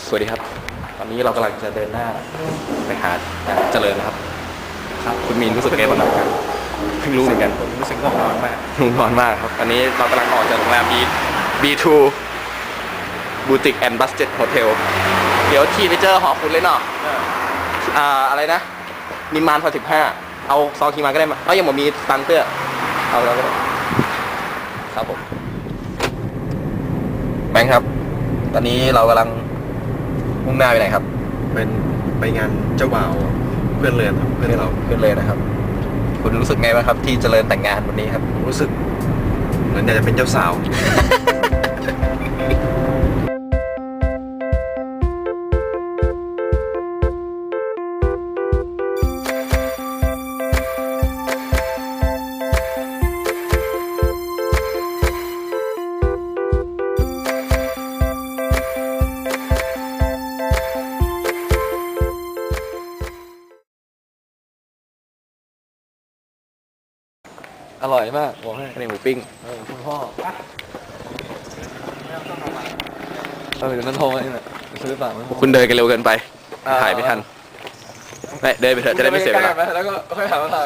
สวัสดีครับตอนนี้เรากำลังจะเดินหน้าไปหาเจริญนะครับครับคุณมีนรู้สึกไงบ้างครับเพิ่งรู้เหมือนกันผมรู้สึกง่วงนอนมากง่วงนอนมากครับตอนนี้เรากำลังออกจากโรงแรม B2 Boutique and Budget Hotel เดี๋ยวขี่ไปเจอหอคุณเลยเนาะอะไรนะนิมมานพอ15เอาซองขี่มาก็ได้มายังผมมีตังค์เตื้อเอาแล้วก็ได้ครับผมแบงค์ครับตอนนี้เรากำลังมุ่งหน้าไปไหนครับเป็นไปงานเจ้าบ่าวเพื่อนเรือนครับเพื่อนเราเพื่อนเลยนะครับคุณรู้สึกไงบ้างครับที่เจริญแต่งงานวันนี้ครับรู้สึกเหมือนอยากจะเป็นเจ้าสาวอร่อยมากบอกให้ในหมูปิ้งคุณพ่อเดี๋ยวนั้นโทรมาเนี่ยซื้อเปล่าคุณเดินกันเร็วเกินไปถ่ายไม่ทันไม่เดินไปเถอะจะได้ไม่เสียเวลาแล้วก็ค่อยถ่ายมาถ่าย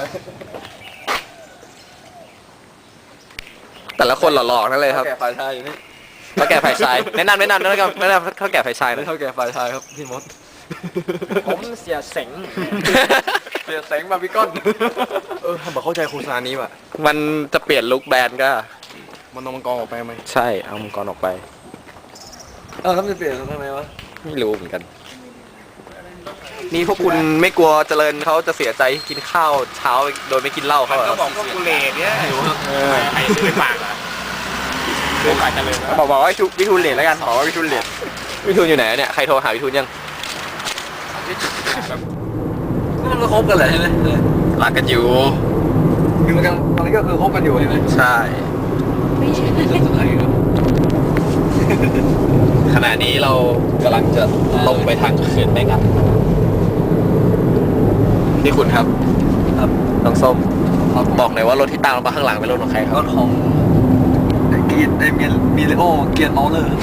แต่ละคนหล่อๆนั่นเลยครับแก่ฝ่ายชายอยู่นี่เขาแก่ฝ่ายชายแนะนำเขาแก่ฝ่ายชายนะเขาแก่ฝ่ายชายครับพี่มดผมเสียเสงเสียแสงบาร์บีคอนทำแบบเข้าใจโฆษณานี้ว่ะมันจะเปลี่ยนลุคแบรนด์ก็มันเอามังกรออกไปไหมใช่เอามังกรออกไปแล้วมันจะเปลี่ยนทำไมวะไม่รู้เหมือนกันนี่พวกคุณไม่กลัวเจริญเขาจะเสียใจกินข้าวเช้าโดยไม่กินเหล้าเขาก็บอกว่ากูเลดเนี่ยไอ้ซื้อปากอ่ะซื้อปากเจริญบอกว่าวิทูลเลดแล้วกันบอกว่าวิทูลเลดวิทูลอยู่ไหนเนี่ยใครโทรหาวิทูลยังมันก็คบกันแหละใช่ไหมรักกันอยู่คือมันก็คือคบกันอยู่ใช่ไหมใช่ขณะนี้เรากำลังจะลงไปทางเขื่อนแม่งัดนี่คุณครับน้องส้มบอกหน่อยว่ารถที่ตามเรามาข้างหลังเป็นรถของใครครับรถของเกียร์มีเลโอเกียร์เมาเลอร์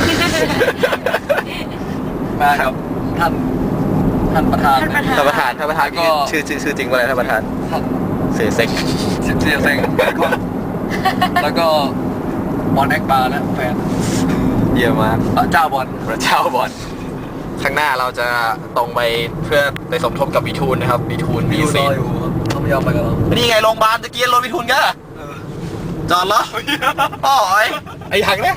มาครับท่านประธานก็ชื่อจริงว่าอะไรท่านประธานเสียเซ็งแล้วก็บอลแอคบาร์และแฟนเยี่ยมมากพระเจ้าบอลข้างหน้าเราจะตรงไปเพื่อไปสมทบกับวิทูลนะครับวิทูลมีซีอยู่เขาไม่ยอมไปกับเรานี่ไงโรงพยาบาลตะกี้รถวิทูลก็จอดเหรออ๋อไอ้หังเนี่ย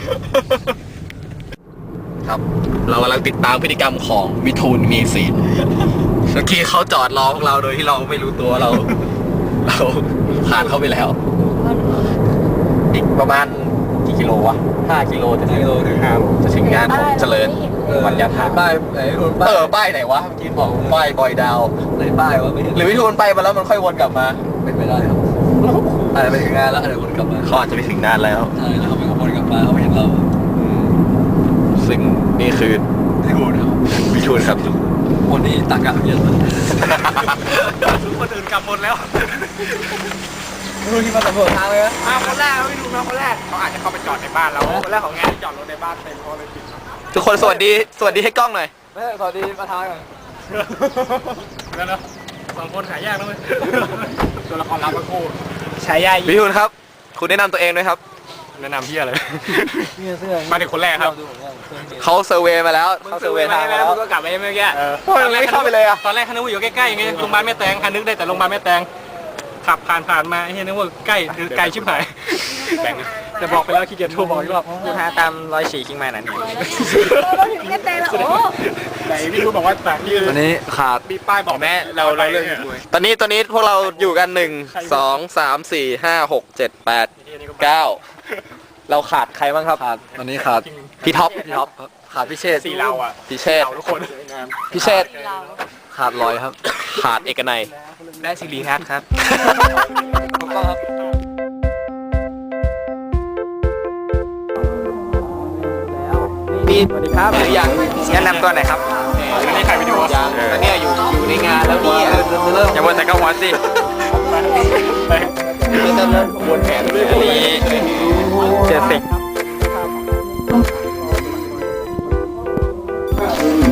ครับเรากำลังติดตามพฤติกรรมของวิทูลมีซีเมื่อกี้เขาจอดรอพวกเราโดยที่เราไม่รู้ตัวเราผ่านเขาไปแล้วอีกประมาณกี่กิโลวะ5 กิโลถึง5 กิโลถึงจะถึงงานของเจริญวันยาทาป้ายไหนป้ายไหนวะเมื่อกี้บอกป้ายบอยดาวไหนป้ายวะไม่เห็นหรือวิทูลไปมาแล้วมันค่อยวนกลับมาเป็นไม่ได้ครับอาจจะไปถึงงานแล้วอาจจะวนกลับมาเขาอาจจะไปถึงนานแล้วใช่แล้วเขาไม่วนกลับมาเขาไม่เห็นเราซึ่งนี่คือวิทูลครับวันนี้ตากะเยอะเลยคนอื่นกลับหมดแล้วรู้ที่มาสำรวจทางเลยนะมาคนแรกไม่ดูมาคนแรกเขาอาจจะเข้าไปจอดในบ้านเราคนแรกของงานที่จอดรถในบ้านเต็มเพราะเลยปิดทุกคนสวัสดีให้กล้องหน่อยไม่สวัสดีประธานก่อนแล้วนะ2 คนหายากแล้วไหมตัวละครลับก็คู่ฉายาวิทูลครับคุณแนะนำตัวเองด้วยครับแนะนำพี่อะไรมาถึงคนแรกครับเขาเซอร์เวย์มาแล้วเขาเซอร์เวย์ทางแล้วก็กลับไปเมื่อกี้ไม่เข้าไปเลยอะตอนแรกคันนึกว่าอยู่ใกล้ๆอย่างเงี้ยโรงพยาบาลแม่แตงคันนึกได้แต่โรงพยาบาลแม่แตงขับผ่านมาเฮ้ยนึกว่าใกล้ไกลชิบหายแต่บอกไปแล้วขี้เกียจโทรบอกอีกรอบคุณหาตาม104คิงมานั่นนี่ถึงกันใจแล้วโอ้ไหนพี่รู้บอกว่าต่างที่วันนี้ขาดมีป้ายบอกแม่เราเลิกตอนนี้พวกเราอยู่กัน1 2 3 4 5 6 7 8 9เราขาดใครบ้างครับตอนนี้ขาดพี่ท็อปขาดพิเชษ 4เราอ่ะพิเชษทุกคนพิเชษขาดลอยครับขาดเอกนัยได้สิริทัศน์ครับถูกต้องครับมีสวัสดีครับหรือยังแนะนำตัวหน่อยครับอันนี้ใครวิดีโอยังตอนนี้อยู่ในงานแล้วนี่อย่ามัวแต่กังวลสิเริ่มวนแผนด้วยนี้เจสิก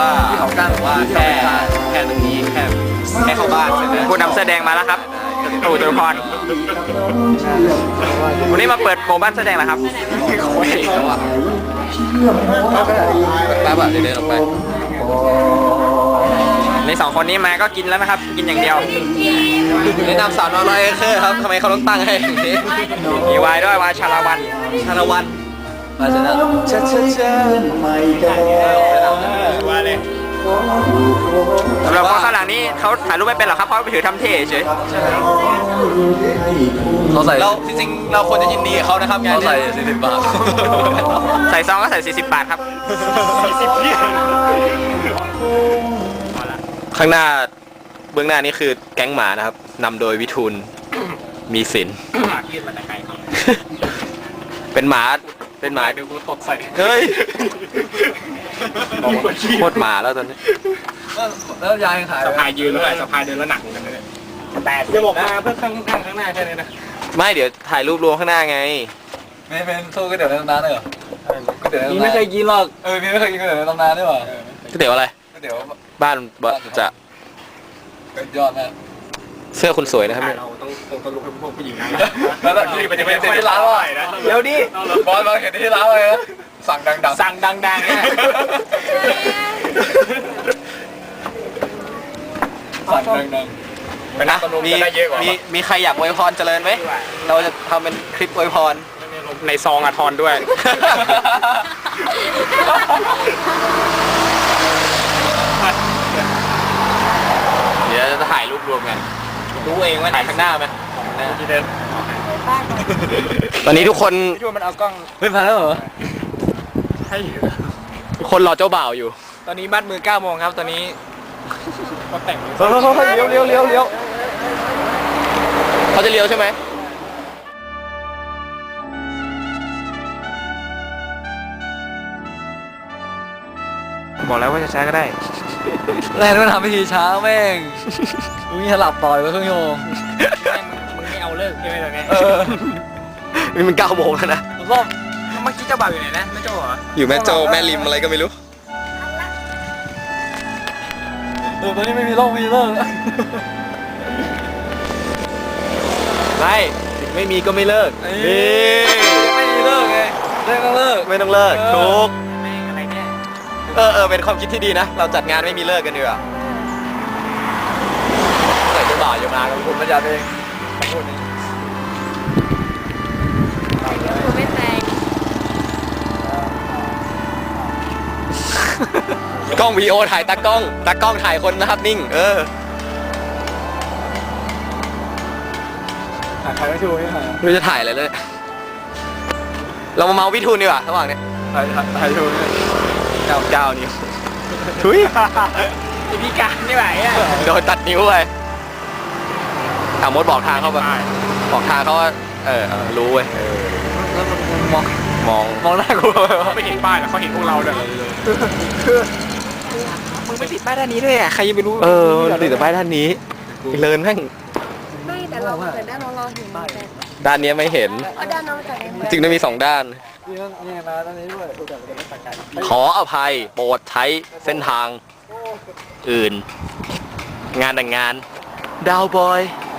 ว่าเขากั้นหรือว่าแค่ตรงนี้แค่เข้าบ้านเสร็จแล้วผู้นำเสื้อแดงมาแล้วครับตู่จตุพรวันนี้มาเปิดโปรบ้านเสื้อแดงแล้วครับแล้วอ่ะแป๊บอ่ะเดี๋ยวเดินออกไปในสองคนนี้มาก็กินแล้วนะครับ กินอย่างเดียวแนะนำสาวน้อยร้อยเอเคอร์ครับทำไมเขาต้องตั้งให้อย่างนี้มีวายด้วยวายชาลาวันชาละวันมาเสร็จแล้วว่าเลยสำหรับคนข้างหลังนี้เขาถ่ายรูปไม่เป็นหรอกครับเพราะไปถือทำเท่เฉยเขาใส่เราจริงๆเราควรจะยินดีกับเขานะครับงานเขาใส่40 บาทใส่ซองก็ใส่40 บาทครับ 40เพี้ยข้างหน้าเบื้องหน้านี่คือแก๊งหมานะครับนำโดยวิทูลมีสินปากยืดมาแต่ไกลครับเป็นหมาเดี๋ยวกูตดใส่เฮ้ยโคตรหมาแล้วตอนนี้แล้วยายขายสะพายยืนแล้วสะพายเดินแล้วหนักเหมือนกันเลยแต่จะบอกมาเพื่อข้างหน้าแค่นี้นะไม่เดี๋ยวถ่ายรูปรวมข้างหน้าไงไม่เป็นสู้ก๋วยเตี๋ยวในตำนานเลยเหรอก๋วยเตี๋ยวในตำนานนี่ไม่เคยกินหรอกพี่ไม่เคยกินก๋วยเตี๋ยวในตำนานด้วยเหรอก๋วยเตี๋ยวอะไรก๋วยเตี๋ยวบ้านจะเป็นยอดมากเสื้อคุณสวยนะครับเนี่ยเราต้องลุกให้พวกผู้หญิงนะแล้วมันจะเป็นที่ร้านว่านะเดี๋ยวดิบอลมาเห็นที่ร้านเลยนะสั่งดังๆสั่งดังๆเนี่ยสั่งดังๆไปนะมีใครอยากอวยพรเจริญไหมเราจะทำเป็นคลิปอวยพรในซองอะทอนด้วยเดี๋ยวจะถ่ายรูปรวมกันรู้เองว่าถ่ายข้างหน้าไหมที่เดินตอนนี้ทุกคนช่วยมันเอากล้องเฮ้ยมาแล้วเหรอให้ทุกคนรอเจ้าบ่าวอยู่ตอนนี้มัดมือ9 โมงครับตอนนี้ก็แต่งเลี้ยวเขาจะเลี้ยวใช่ไหมบอกแล้วว่าจะช้าก็ได้แรงมันทำพิธีช้าแม่งมีหลับต่อยไปครึ่งชั่วโมงมึงไม่เอาเลิกใช่ไหมตอนนี้นี่มัน9 โมงแล้วนะก็เมื่อกี้เจ้าบ่าวอยู่ไหนนะไม่เจ้าเหรออยู่แม่โจ้แม่ริมอะไรก็ไม่รู้ตอนนี้ไม่มีโรคไม่มีเลิกไม่ไม่มีก็ไม่เลิกนี่ไม่มีเลิกไงเลิกก็เลิกไม่ต้องเลิกถูกแม่งอะไรเนี่ยเป็นความคิดที่ดีนะเราจัดงานไม่มีเลิกกันดีกว่าใส่เจ้าบ่าวอย่ามากับคุณพระจันทร์เองพูดนี้คือไม่แตงกล้องวีโอถ่ายตากล้องถ่ายคนนะครับนิ่งใครไม่ชูไม่ถ่ายไม่รู้จะถ่ายอะไรเลยเรามาเมาวิทูลดีกว่าระหว่างนี้ถ่ายชู 9 นิ้วทุยพิการนี่ไหวอ่ะโดนตัดนิ้วไปถามมดบอกทางเข้าไปบอกทางเขาว่ารู้เว้ยมองหน้ากูเขาไม่เห็นป้ายแล้วเขาเห็นพวกเราด้วยมึงไม่ติดป้ายด้านนี้ด้วยอ่ะใครจะไปรู้มันติดแต่ป้ายด้านนี้เลินแม่งไม่แต่เราเกิดด้านน้องเราเห็นแต่ด้านนี้ไม่เห็นเอาด้านน้องจากไหนจึงได้มี2 ด้านนี่มาด้านนี้ด้วยกูจะเป็นนักการขออภัยโปรดใช้เส้นทางอื่น งานแต่งงานดาวบอย